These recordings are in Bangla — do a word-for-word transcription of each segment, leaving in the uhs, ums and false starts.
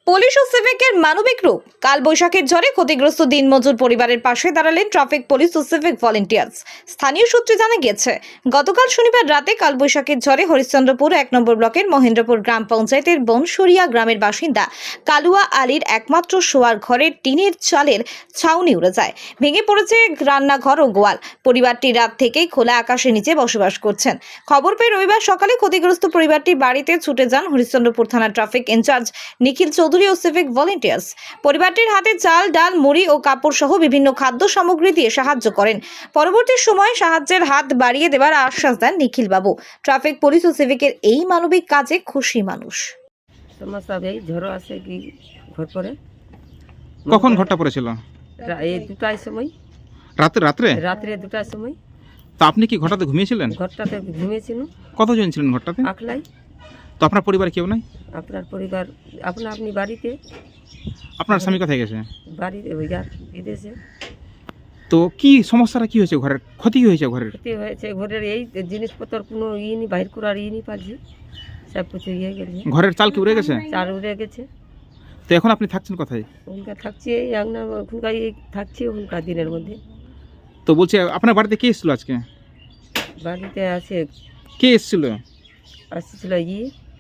পুলিশ ও সিভিকের মানবিক রূপ। কালবৈশাখীর ঝড়ে ক্ষতিগ্রস্ত দিনমজুর পরিবারের পাশে দাঁড়ালেন ট্রাফিক পুলিশ ও সিভিক ভলেন্টিয়ার্স। স্থানীয় সূত্রে জানা গেছে, গতকাল শনিবার রাতে কালবৈশাখীর ঝড়ে হরিশ্চন্দ্রপুর এক নম্বর ব্লকের মহেন্দ্রপুর গ্রাম পঞ্চায়েতের বনসরিয়া গ্রামের বাসিন্দা কালুয়া আলীর একমাত্র শোয়ার ঘরের টিনের চালের ছাউনি উড়ে যায়। ভেঙে পড়েছে রান্নাঘর ও গোয়াল। পরিবারটি রাত থেকেই খোলা আকাশের নিচে বসবাস করছেন। খবর পেয়ে রবিবার সকালে ক্ষতিগ্রস্ত পরিবারটির বাড়িতে ছুটে যান হরিশ্চন্দ্রপুর থানা ট্রাফিক ইনচার্জ নিখিল চৌধুরী ও সিভিক ভলেন্টিয়ার্স। পরিবারটির হাতে চাল, ডাল, মুড়ি ও কাপড় সহ বিভিন্ন খাদ্য সামগ্রী দিয়ে সাহায্য করেন। পরবর্তী সময়ে সাহায্যের হাত বাড়িয়ে দেওয়ার আশ্বাস দেন নিখিল বাবু। ট্রাফিক পুলিশ ও সিভিকের এই মানবিক কাজে খুশি মানুষ। সমস্যা এই ঝড় আসে কি ঘর পরে কখন ঘরটা পড়েছিল? রা- এই দুটার সময়, রাতে রাত্রে? রাত্রে দুটার সময়। তো আপনি কি ঘরটাতে ঘুমিয়েছিলেন? ঘরটাতে ঘুমিয়েছিল কতজন ছিলেন ঘরটাতে? আকলাই। তো আপনার পরিবার কেউ নাই? আপনার পরিবার আপনা আপনি বাড়িতে, আপনার স্বামী কোথায় গেছে? বাড়িতে ওই আর বিদেশে। তো কি সমস্যাটা কি হয়েছে? ঘরের ক্ষতি কি হয়েছে? ঘরের ক্ষতি হয়েছে ঘরের এই জিনিসপত্র কোনো ই নি বাইর করার ই নি পারছি, সব কিছু ইয়ে গেছে, ঘরের চাল কি উড়ে গেছে? চার উড়ে গেছে। তো এখন আপনি থাকছেন কোথায়? ওখানকার থাকছি এই আংনা, ওখানকার এই থাকছি ওখানকার দিনের মধ্যে। তো বলছি আপনার বাড়িতে কে এসেছিল আজকে? বাড়িতে আছে কে এসেছিল? আসছিল ই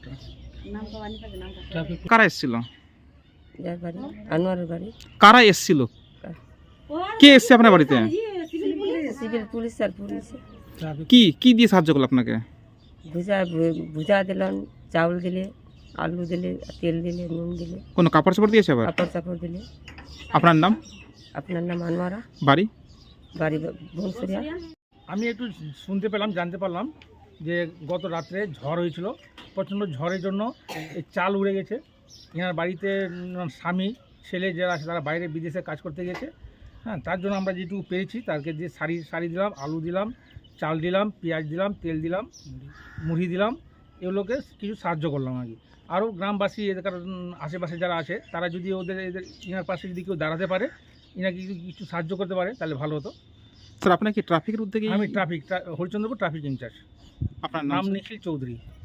কারা এসেছিল? যার বাড়ি আনোয়ারের বাড়ি। কারা এসেছিল? কে এসছে আপনার বাড়িতে? সিভিল পুলিশ আর পুলিশ কি কি দিয়ে সাহায্য করলো আপনাকে? ভুজা ভুজা দিলাম, চাউল দিলে, আলু দিলে, তেল দিলে, নুন দিলে, কোনো কাপড় চাপড় দিয়েছে আবার? কাপড় চাপড় দিলে। আপনার নাম? আপনার নাম আনোয়ারা, বাড়ি? বাড়ি বনসরিয়া। আমি একটু শুনতে পেলাম, জানতে পারলাম যে গত রাত্রে ঝড় হয়েছিল। প্রচণ্ড ঝড়ের জন্য এই চাল উড়ে গেছে। এনার বাড়িতে উম, স্বামী ছেলে যারা আছে তারা বাইরে বিদেশে কাজ করতে গেছে। হ্যাঁ, তার জন্য আমরা যেটুকু পেরেছি তাকে দিয়ে শাড়ি শাড়ি দিলাম, আলু দিলাম, চাল দিলাম, পেঁয়াজ দিলাম, তেল দিলাম, মুড়ি দিলাম, এগুলোকে কিছু সাহায্য করলাম আর কি। আরও গ্রামবাসী এলাকার উম, আশেপাশে যারা আছে তারা যদি ওদের এদের এনার পাশে যদি কেউ দাঁড়াতে পারে, এনাকে কিছু কিছু সাহায্য করতে পারে তাহলে ভালো হতো। স্যার আপনার কি ট্রাফিকের উদ্যোগে? আমি ট্রাফিক হরিচন্দ্রপুর ট্রাফিক ইনচার্জ। আপনার নাম নাম? নিখিল চৌধুরী।